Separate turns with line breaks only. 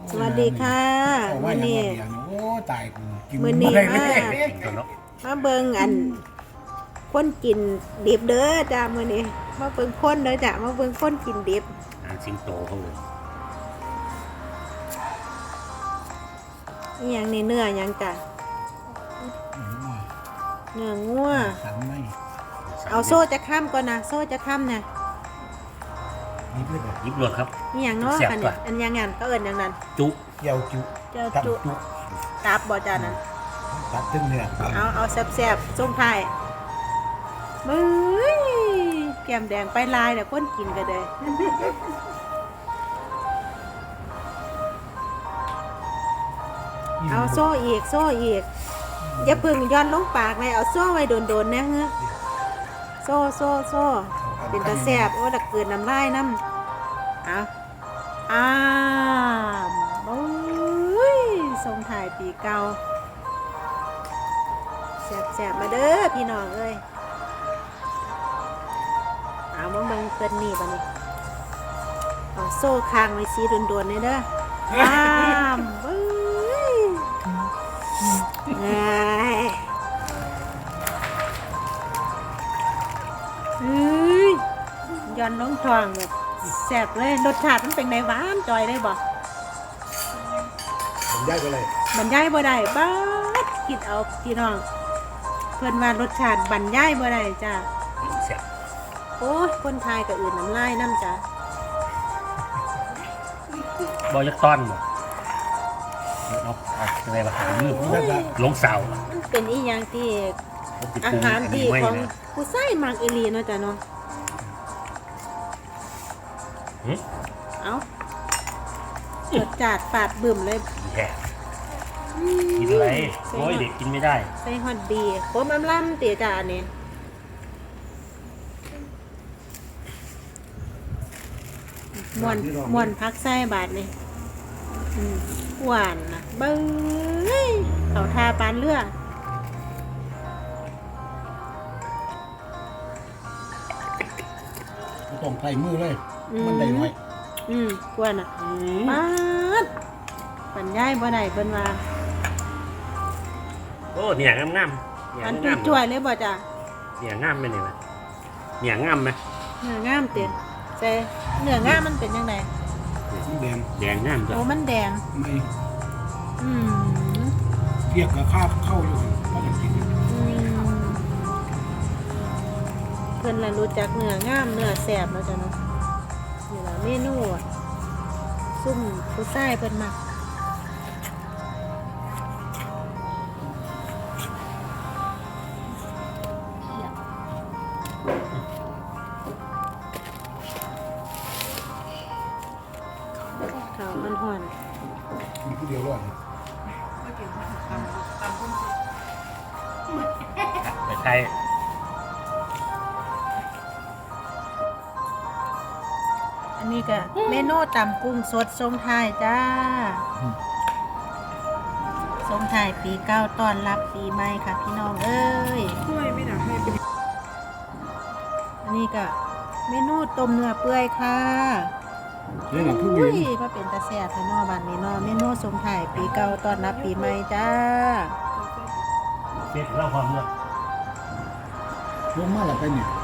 สวัสดีค่ะมื้อนี้
โอ้ตายกูกิน
มื้อนี้
บ่
มา
ได้เลย
มาเบิ่งอันคนกินดิบเด้อจ้ามื้อนี้มาเบิ่งคนเด้อจ้ามาเบิ่งคนกินดิบ
สิงโตเขาเลย
อีหยังนี่เนื้อหยังจ้ะเนื้องัว
สันไหม
เอาโซ่จะค้ำก่อนนะโซ่จะค้ำเนี่ย
นี่เพื่อน
ยิบรวดครับ
อีหยังเนาะ
แซ่บ
อัน
กว่า
อันหยังงั้นก็เอิ้นหยังนั้น
จุ
เกี่ยวจุ
เจ้า
ตับ
จุ
จุ
ตับบ่จ้านั่น
ตับตึ้งเนื้อ
เอาแซ่บๆส่งท้ายมื้อแก้มแดงไปลายเดี๋ยวคนกินก็ได้ เอาโซ่อีกอย่าเพึ่งย้อนลงปากเลยเอาโซ่ไว้โดนๆนะเฮ้อโซ่เป็นตาแซ่บโอ้ดักเกินน้ำลายน้ำเอาโอ้ยส่งถ่ายปีเก่าแซ่บมาเด้อพี่น้องเอ้ยเอามาเบิ่งเกินนี่บัดนี้เอาโซ่คางไว้สีโดนๆเลยเด้อเบ้ย เฮ้ยย้อนน้องทองแบบแซ่บเลยรสชาติมันเป็นไงหวานจอยได้บ่
ผมย้ายไปเลย
บรรยายบ่ได้บ้าดคิดเอาพี่น้องเพื่อนว่ารสชาติบรรยายบ่ได้จ้า
แซ่บ
โอ้ยคนไทยกับอื่นน้ำลายน้ำจ้า
บอยักต้อนบ่เอาอะไรมาหานี่ลงเสา
มันเป็นอีหยังที่อาหารที่ของผู้ใส่มักอีหลีเนาะจ้ะเนาะเอารสจัดฝาดบึ้มเลย
แย่กินอะไรโอ้ยเด็กกินไม่ได้
ใส่ฮอตดีโค้มล่ำเตี๋ยจ้าเนี่ยม่วนพักไส้บาทนี่หวานนะเบิ้งเขาทาปานเลือด
ต้องใส่มือเลย มันได้น้อย
กวนอ่ะปาดปันย่ายบ่ได้เพิ่นว่า
โอ้เนี่ยงามเนี่ย
อัน
งาม
จ่วยๆเลยบ่จ้ะ
เนี่ยงามไหมเนี่ยเนี่ยงามไหม
เนื้องามเตี๋ยใส่เนื้องามมันเป็นยังไง
สีแดง
แดงงามจ้ะ
โอ้มันแดง
ไม่
อืม
เทียบกับข้าวเข้าอยู่เพราะมันกิน
เพิ่นละรู้จักเนื้องามเนื้อแซ่บแล้วจ้ะเนาะนี่ล่ะเมนูอะซุ่มผู้ชายเพิ่นมักข้าวมันห่อน
กินผู้เดียวรอด
ไปไทย
อันนี้ก็เมนูตำกุ้งสดทรงไทายจ้าทรงไทายปีเก้าต้อนรับปีใหม่ค่ะพี่น้องเอ้ยอันนี้ก็เมนูต้มเนื้อเปื่อยค่ะ
นี่แหละผู้
อุ้
เวีย
ย
น
มาเป็นตาแซ่บค่ะเนอบ้านนี้เนอเมนูทรงไทายปีเก้าต้อนรับปีใหม่จ้า
เสร็จแล้วความเลือก
ลงมาแล้วไปเนี่ย